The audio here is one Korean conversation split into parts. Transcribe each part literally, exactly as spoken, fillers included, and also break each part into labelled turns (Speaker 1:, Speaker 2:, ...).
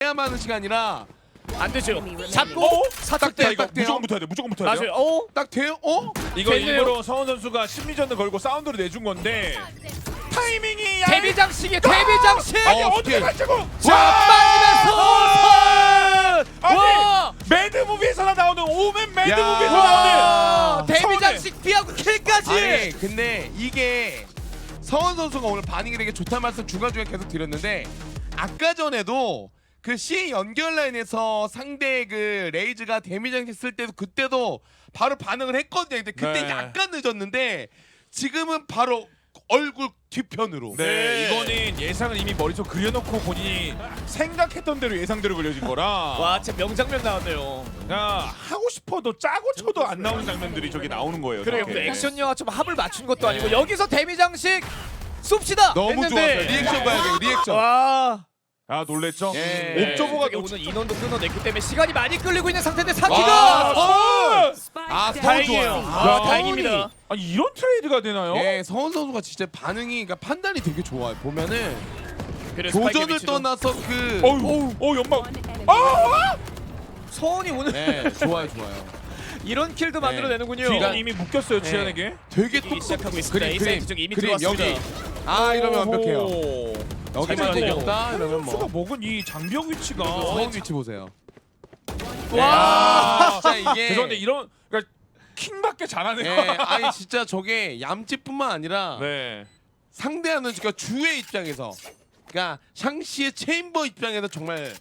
Speaker 1: 돼야만 하는 시간이라
Speaker 2: 안 되죠. 잡고
Speaker 1: 어?
Speaker 2: 사탁
Speaker 1: 돼,
Speaker 2: 때
Speaker 1: 이거
Speaker 3: 이거 무조건 붙어야 돼. 무조건 붙어야 돼.
Speaker 2: 맞아요. 어?
Speaker 1: 딱 돼요? 어?
Speaker 3: 이거
Speaker 2: 됐네요.
Speaker 3: 일부러 서원 선수가 심리전을 걸고 사운드를 내준 건데 타이밍이 약-
Speaker 2: 데뷔 장식이에요. 데뷔 장식.
Speaker 3: 아니
Speaker 1: 어,
Speaker 3: 어떻게
Speaker 1: 어떡해.
Speaker 3: 맞자고?
Speaker 2: 자, 빠지면서
Speaker 3: 아니
Speaker 2: 와!
Speaker 3: 매드무비에서나 나오는 오맨 매드무비에서
Speaker 1: 야.
Speaker 3: 나오는
Speaker 2: 와! 데뷔
Speaker 3: 서운해.
Speaker 2: 장식 피하고 킬까지.
Speaker 1: 아니 근데 이게 서원 선수가 오늘 반응이 되게 좋다는 말씀 중간중간 계속 드렸는데 아까 전에도 그 C 연결 라인에서 상대 그 레이즈가 데미장 했을 때도 그때도 바로 반응을 했거든요. 근데 그때
Speaker 3: 네.
Speaker 1: 약간 늦었는데 지금은 바로 얼굴 뒤편으로.
Speaker 3: 네,
Speaker 2: 네.
Speaker 3: 이거는 예상을 이미 머릿속 그려놓고 본인이 생각했던 대로 예상대로 그려진 거라.
Speaker 2: 와, 진짜 명장면 나왔네요.
Speaker 3: 야, 하고 싶어도 짜고 쳐도 안 나오는 장면들이 저기 나오는 거예요.
Speaker 2: 그래요.
Speaker 3: 저렇게.
Speaker 2: 액션 영화 좀 합을 맞춘 것도 아니고 여기서 데뷔 장식 쏩시다.
Speaker 1: 너무
Speaker 2: 했는데.
Speaker 1: 좋았어요. 리액션 봐야 돼요. 리액션.
Speaker 2: 와.
Speaker 3: 아 놀랬죠?
Speaker 1: 예.
Speaker 3: 옵저버가
Speaker 2: 이게
Speaker 3: 놓치...
Speaker 2: 오늘 인원도 끊어냈기 때문에 시간이 많이 끌리고 있는 상태인데
Speaker 1: 와,
Speaker 2: 사키가
Speaker 3: 어!
Speaker 1: 아, 서원
Speaker 2: 다행이에요.
Speaker 1: 좋아요.
Speaker 2: 아,
Speaker 3: 야,
Speaker 2: 다행입니다.
Speaker 3: 아니 이런 트레이드가 되나요?
Speaker 1: 예, 서원 선수가 진짜 반응이 그러니까 판단이 되게 좋아요. 보면은
Speaker 2: 그래서 스파이크
Speaker 1: 도전을
Speaker 2: 위치도.
Speaker 1: 떠나서 그
Speaker 3: 어우, 어 연막. 아!
Speaker 2: 서원이 오늘
Speaker 1: 네, 좋아요, 좋아요.
Speaker 2: 이런 킬도 만들어내는군요.
Speaker 3: 뒤가 이미 묶였어요
Speaker 1: 네.
Speaker 3: 지한에게.
Speaker 1: 되게
Speaker 2: 이기 시작하고 있습니다.
Speaker 1: 그림,
Speaker 2: A
Speaker 1: 그림,
Speaker 2: 사이트 쪽 이미
Speaker 1: 그림
Speaker 2: 들어왔습니다.
Speaker 1: 여기. 아, 이러면 완벽해요.
Speaker 3: 오호.
Speaker 1: 여기만
Speaker 2: 잘
Speaker 1: 되겠다. 이러면
Speaker 3: 선수가
Speaker 1: 뭐.
Speaker 3: 먹은 이 장벽 위치가.
Speaker 1: 서원 위치 보세요.
Speaker 2: 와.
Speaker 1: 진짜 이게.
Speaker 3: 죄송한데 이런 그러니까 킹밖에 잘하네요.
Speaker 1: 예, 아니 진짜 저게 얌찌뿐만 아니라
Speaker 3: 네.
Speaker 1: 상대하는 그러니까 주의 입장에서, 그러니까 샹시의 체인버 입장에서 정말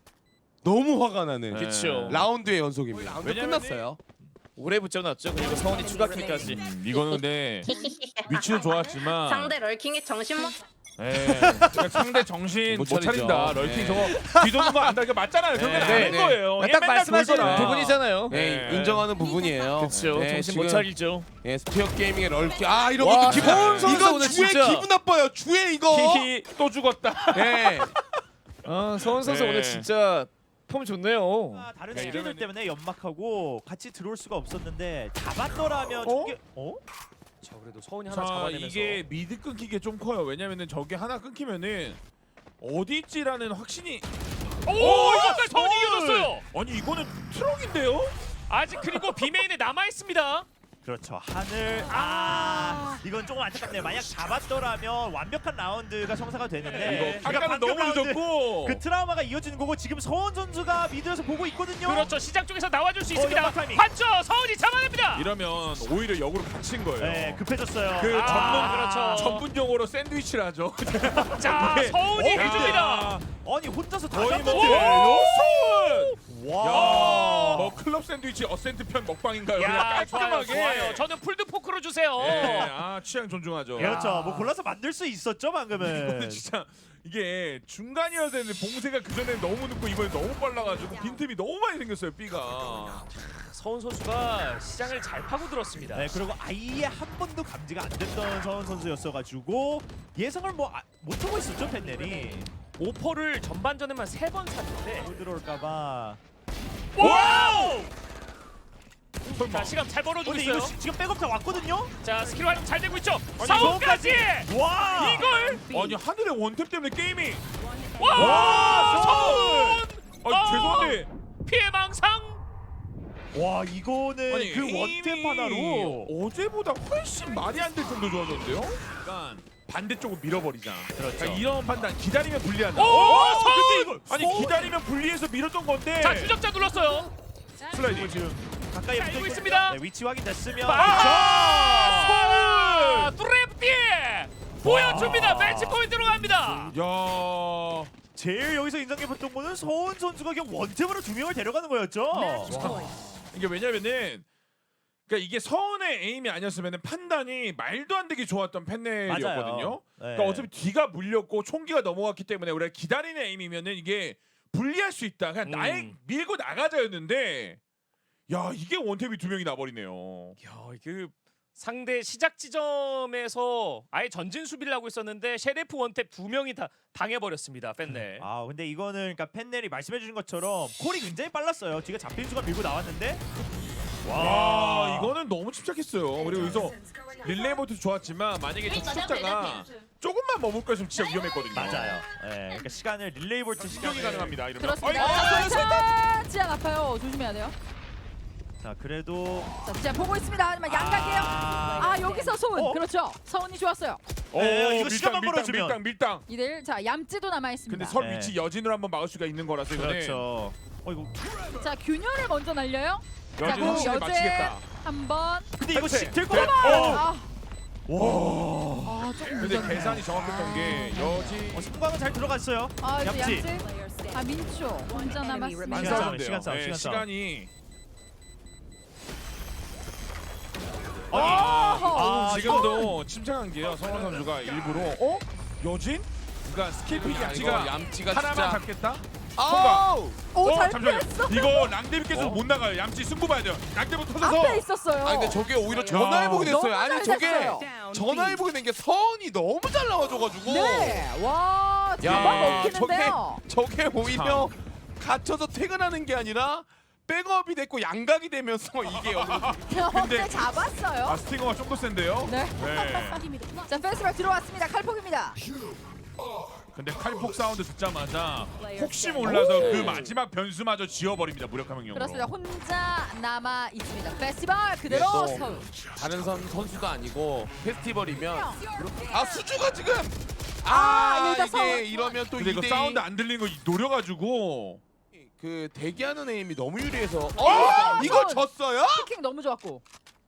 Speaker 1: 너무 화가 나는
Speaker 3: 네.
Speaker 2: 그쵸.
Speaker 1: 라운드의 연속입니다. 라운드
Speaker 3: 왜냐면은-
Speaker 1: 끝났어요.
Speaker 2: 오래 붙여놨죠. 그리고 서원이 추가 킬까지.
Speaker 3: 음, 이거는 근데 위치도 좋았지만
Speaker 4: 상대 럴킹이 정신 못
Speaker 3: 예, 그러니까 상대 정신
Speaker 1: 못
Speaker 3: 못
Speaker 1: 차리죠.
Speaker 3: 차린다. 럴킹
Speaker 1: 네.
Speaker 3: 저거 뒤도는 거 안다. 이거 맞잖아요. 결국엔
Speaker 1: 네,
Speaker 3: 아는
Speaker 1: 네.
Speaker 3: 거예요.
Speaker 2: 딱
Speaker 3: 맨날
Speaker 2: 말씀하시는
Speaker 3: 돌거나.
Speaker 2: 부분이잖아요.
Speaker 1: 네,
Speaker 3: 네.
Speaker 1: 인정하는 부분이에요.
Speaker 2: 그렇죠.
Speaker 1: 네,
Speaker 2: 정신
Speaker 1: 지금,
Speaker 2: 못 차리죠.
Speaker 1: 예, 스피어 게이밍의 럴키. 아, 이런
Speaker 2: 와,
Speaker 1: 것도 기분.
Speaker 2: 서원 선수
Speaker 1: 이건
Speaker 2: 오늘
Speaker 1: 주의
Speaker 2: 진짜.
Speaker 1: 기분 나빠요. 주의 이거.
Speaker 3: 히히 또 죽었다.
Speaker 1: 예.
Speaker 2: 아, 서원 선수
Speaker 3: 네.
Speaker 2: 오늘 진짜 폼 좋네요.
Speaker 5: 아, 다른
Speaker 3: 야,
Speaker 5: 스킬들
Speaker 3: 이러면은-
Speaker 5: 때문에 연막하고 같이 들어올 수가 없었는데 잡았더라면
Speaker 3: 어?
Speaker 5: 저게 어?
Speaker 2: 자, 그래도 서원이 하나
Speaker 3: 자
Speaker 2: 잡아내면서
Speaker 3: 이게 미드 끊기게 좀 커요. 왜냐면은 저게 하나 끊기면은 어디 있지라는 확신이.
Speaker 6: 오, 이것도 서운이 이겨줬어요.
Speaker 3: 아니 이거는 트럭인데요?
Speaker 6: 아직 그리고 비메인에 남아 있습니다.
Speaker 5: 그렇죠. 하늘 아 이건 조금 안타깝네요. 만약 잡았더라면 완벽한 라운드가 성사가 되는데
Speaker 3: 이거 아까는
Speaker 5: 방금
Speaker 3: 너무
Speaker 5: 라운드
Speaker 3: 늦었고.
Speaker 5: 그 트라우마가 이어지는 거고 지금 서원 선수가 미드에서 보고 있거든요.
Speaker 6: 그렇죠. 시장 쪽에서 나와줄 수
Speaker 5: 어,
Speaker 6: 있습니다.
Speaker 5: 연막 타이밍.
Speaker 6: 봤죠? 서운이 잡아냅니다.
Speaker 3: 이러면 오히려 역으로 갇힌 거예요.
Speaker 5: 네, 급해졌어요.
Speaker 3: 그
Speaker 6: 아,
Speaker 3: 전문
Speaker 6: 그렇죠.
Speaker 3: 전문 용어로 샌드위치를 하죠.
Speaker 6: 자,
Speaker 3: 이게-
Speaker 6: 서운이
Speaker 3: 어,
Speaker 6: 해줍니다.
Speaker 5: 아니 혼자서 다
Speaker 3: 거의 뭐
Speaker 5: 잡는데.
Speaker 3: 여섯.
Speaker 5: 와.
Speaker 3: 야, 뭐 클럽 샌드위치 어센트 편 먹방인가요? 그냥
Speaker 6: 야, 좋아요,
Speaker 3: 깔끔하게.
Speaker 6: 좋아요. 저는 풀드 포크로 주세요.
Speaker 3: 예, 아 취향 존중하죠.
Speaker 5: 그렇죠. 뭐 골라서 만들 수 있었죠 방금은.
Speaker 3: 이거는 진짜 이게 중간이어야 되는데 봉쇄가 그 전에 너무 늦고 이번에 너무 빨라가지고 빈틈이 너무 많이 생겼어요. B가.
Speaker 6: 서운 선수가 시장을 잘 파고들었습니다.
Speaker 5: 네, 그리고 아예 한 번도 감지가 안 됐던 서원 선수였어가지고 예상을 뭐 아, 못하고 있었죠 펜넬이.
Speaker 6: 오퍼를 전반전에만 세 번 샀는데
Speaker 5: 못 들어올까봐.
Speaker 6: 와우!
Speaker 3: 설마.
Speaker 6: 자, 시간 잘 벌어주고
Speaker 5: 근데
Speaker 6: 있어요.
Speaker 5: 이거 시- 지금 백업 다 왔거든요.
Speaker 6: 자, 스킬 활용 잘 되고 있죠.
Speaker 3: 아니,
Speaker 6: 서운까지!
Speaker 5: 와.
Speaker 6: 이걸!
Speaker 3: 아니 하늘의 원탭 때문에 게임이.
Speaker 6: 와!
Speaker 3: 와,
Speaker 6: 서운!
Speaker 3: 아
Speaker 6: 어!
Speaker 3: 죄송한데.
Speaker 6: 피해 망상!
Speaker 5: 와 이거는
Speaker 3: 아니
Speaker 5: 그 원탭 하나로.
Speaker 3: 어제보다 훨씬 말이 안 될 정도 좋아졌는데요? 그러니까 반대쪽으로 밀어버리자.
Speaker 5: 그렇죠.
Speaker 3: 그러니까 이런 판단 기다리면 불리한다.
Speaker 6: 오,
Speaker 3: 어,
Speaker 6: 서운!
Speaker 3: 근데 이거 아니
Speaker 5: 서운!
Speaker 3: 기다리면 불리해서 밀었던 건데.
Speaker 6: 자, 추적자 눌렀어요.
Speaker 3: 슬라이딩.
Speaker 5: 지금 가까이
Speaker 6: 자,
Speaker 5: 붙어
Speaker 6: 알고
Speaker 5: 있거든요.
Speaker 6: 있습니다.
Speaker 5: 네, 위치 확인됐으면.
Speaker 6: 아! 드래프티에 보여줍니다. 매치 포인트로 갑니다.
Speaker 3: 야.
Speaker 5: 제일 여기서 인상 깊었던 거는 서원 선수가 그냥 원탭으로 두 명을 데려가는 거였죠.
Speaker 3: 이게 왜냐면은 그러니까 이게 서운의 에임이 아니었으면 판단이 말도 안 되게 좋았던 팬넬이었거든요.
Speaker 5: 맞아요. 네.
Speaker 3: 그러니까 어차피 뒤가 물렸고 총기가 넘어갔기 때문에 우리가 기다리는 에임이면은 이게 불리할 수 있다. 그냥
Speaker 6: 음.
Speaker 3: 날 밀고 나가자였는데 야 이게 원탭이 두 명이 나버리네요.
Speaker 6: 야, 그 상대 시작 지점에서 아예 전진 수비를 하고 있었는데 셰레프 원탭 두 명이 다 당해버렸습니다. 팬네.
Speaker 5: 아 근데 이거는 그러니까 펜넬이 말씀해주신 것처럼 콜이 굉장히 빨랐어요. 뒤가 잡힌 수가 밀고 나왔는데
Speaker 3: 와 이거는 너무 침착했어요. 그리고 여기서 릴레이 보트 좋았지만 만약에 저 추적자가 조금만 머물 거였으면 진짜 위험했거든요.
Speaker 5: 맞아요. 예, 그러니까 시간을 릴레이 볼트
Speaker 3: 시경이
Speaker 5: 시간을
Speaker 3: 가능합니다. 이러면.
Speaker 4: 그렇습니다.
Speaker 3: 어이,
Speaker 4: 자, 지안 아파요. 조심해야 돼요.
Speaker 5: 자 그래도
Speaker 4: 자, 지안 보고 있습니다. 하지만 양각이에요. 아, 여기서 소은.
Speaker 5: 어?
Speaker 4: 그렇죠. 서은이 좋았어요.
Speaker 3: 오,
Speaker 5: 네, 이거
Speaker 3: 밀당,
Speaker 5: 시간만
Speaker 3: 밀당,
Speaker 5: 벌어주면.
Speaker 3: 밀당 밀당.
Speaker 4: 이 대 일. 자, 얌찌도 남아 있습니다.
Speaker 3: 근데 설
Speaker 5: 네.
Speaker 3: 위치 여진으로 한번 막을 수가 있는 거라서 이거는
Speaker 5: 그렇죠. 어 이거
Speaker 4: 자, 균열을 먼저 날려요. 자,
Speaker 3: 여진
Speaker 4: 그리고
Speaker 3: 확실히
Speaker 4: 여제
Speaker 3: 맞히겠다.
Speaker 4: 한번.
Speaker 5: 근데 이거
Speaker 3: 그치?
Speaker 5: 될것
Speaker 3: 네.
Speaker 5: 같아.
Speaker 3: 어.
Speaker 4: 아,
Speaker 5: 와.
Speaker 4: 아, 조금
Speaker 3: 근데
Speaker 4: 늦었네요.
Speaker 3: 계산이 정확했던 게 여지
Speaker 5: 어, 승광은 잘 들어갔어요.
Speaker 4: 아, 또
Speaker 5: 얌찌.
Speaker 4: 얌찌. 아, 민초 혼자
Speaker 3: 안
Speaker 4: 남았습니다.
Speaker 5: 시간 싸움,
Speaker 3: 싸운대요.
Speaker 5: 시간 싸움,
Speaker 3: 네,
Speaker 5: 시간 싸움.
Speaker 3: 시간이
Speaker 4: 어!
Speaker 5: 아,
Speaker 3: 지금도 침착한 게요. 성원 선수가 일부러 어? 여진? 그러니까 스킬픽
Speaker 1: 야,
Speaker 3: 얌찌가
Speaker 1: 이거 얌찌가
Speaker 3: 하나만
Speaker 1: 진짜
Speaker 3: 잡겠다?
Speaker 1: 아우!
Speaker 4: 오,
Speaker 3: 어,
Speaker 4: 잘
Speaker 3: 잠시만요.
Speaker 4: 피했어.
Speaker 3: 이거 랑데비께서
Speaker 1: 어?
Speaker 3: 못 나가요. 얌찌 승부 봐야 돼요. 랑데부 터져서
Speaker 4: 앞에 있었어요.
Speaker 1: 아 근데 저게 오히려 전화해보게 됐어요.
Speaker 4: 너무
Speaker 1: 아니
Speaker 4: 잘
Speaker 1: 저게
Speaker 4: 됐어요.
Speaker 1: 전화해보게 된 게 서은이 너무 잘 나와줘가지고
Speaker 4: 네. 와,
Speaker 1: 야,
Speaker 4: 잡아먹히는데요.
Speaker 1: 저게 오히려 갇혀서 퇴근하는 게 아니라 백업이 됐고 양각이 되면서 이게
Speaker 4: 근데 잡았어요.
Speaker 3: 아 스팅어가 좀 더 센데요?
Speaker 4: 네.
Speaker 3: 네.
Speaker 4: 자, 페스티벌 들어왔습니다. 칼폭입니다.
Speaker 3: 근데 칼폭 사운드 듣자마자 혹시 몰라서 그 마지막 변수마저 지워버립니다. 무력화 명령으로.
Speaker 4: 그렇습니다. 혼자 남아 있습니다. 페스티벌 그대로
Speaker 1: 또
Speaker 4: 서울.
Speaker 1: 다른 선 선수도 아니고 페스티벌이면 아 수주가 지금
Speaker 4: 아,
Speaker 1: 아
Speaker 4: 일단
Speaker 1: 이게
Speaker 4: 서울.
Speaker 1: 이러면 또
Speaker 3: 근데 이거
Speaker 1: 이 대 이
Speaker 3: 사운드 안 들리는 거 노려가지고
Speaker 1: 그 대기하는 에임이 너무 유리해서 어 이걸
Speaker 4: 서울.
Speaker 1: 졌어요?
Speaker 4: 킥 너무 좋았고.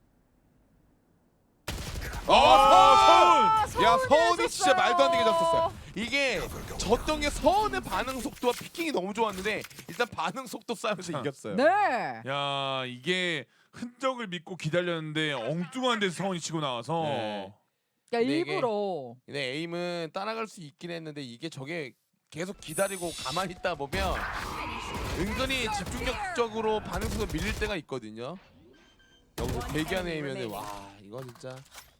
Speaker 3: 아,
Speaker 4: 아,
Speaker 1: 야
Speaker 4: 서운이
Speaker 1: 서은이 진짜
Speaker 4: 해줬어요.
Speaker 1: 말도 안 되게 졌었어요. 이게 졌던 게 서은의 반응 속도와 피킹이 너무 좋았는데 일단 반응 속도 싸움에서 이겼어요.
Speaker 4: 네.
Speaker 3: 야 이게 흔적을 믿고 기다렸는데 엉뚱한 데서 서운이 치고 나와서
Speaker 1: 네.
Speaker 4: 그러니까
Speaker 1: 근데 이게-
Speaker 4: 일부러
Speaker 1: 근데 에임은 따라갈 수 있긴 했는데 이게 저게 계속 기다리고 가만히 있다 보면 은근히 집중력적으로 반응 속도 밀릴 때가 있거든요. 여기서 대기하는 에임이면 와 이거 진짜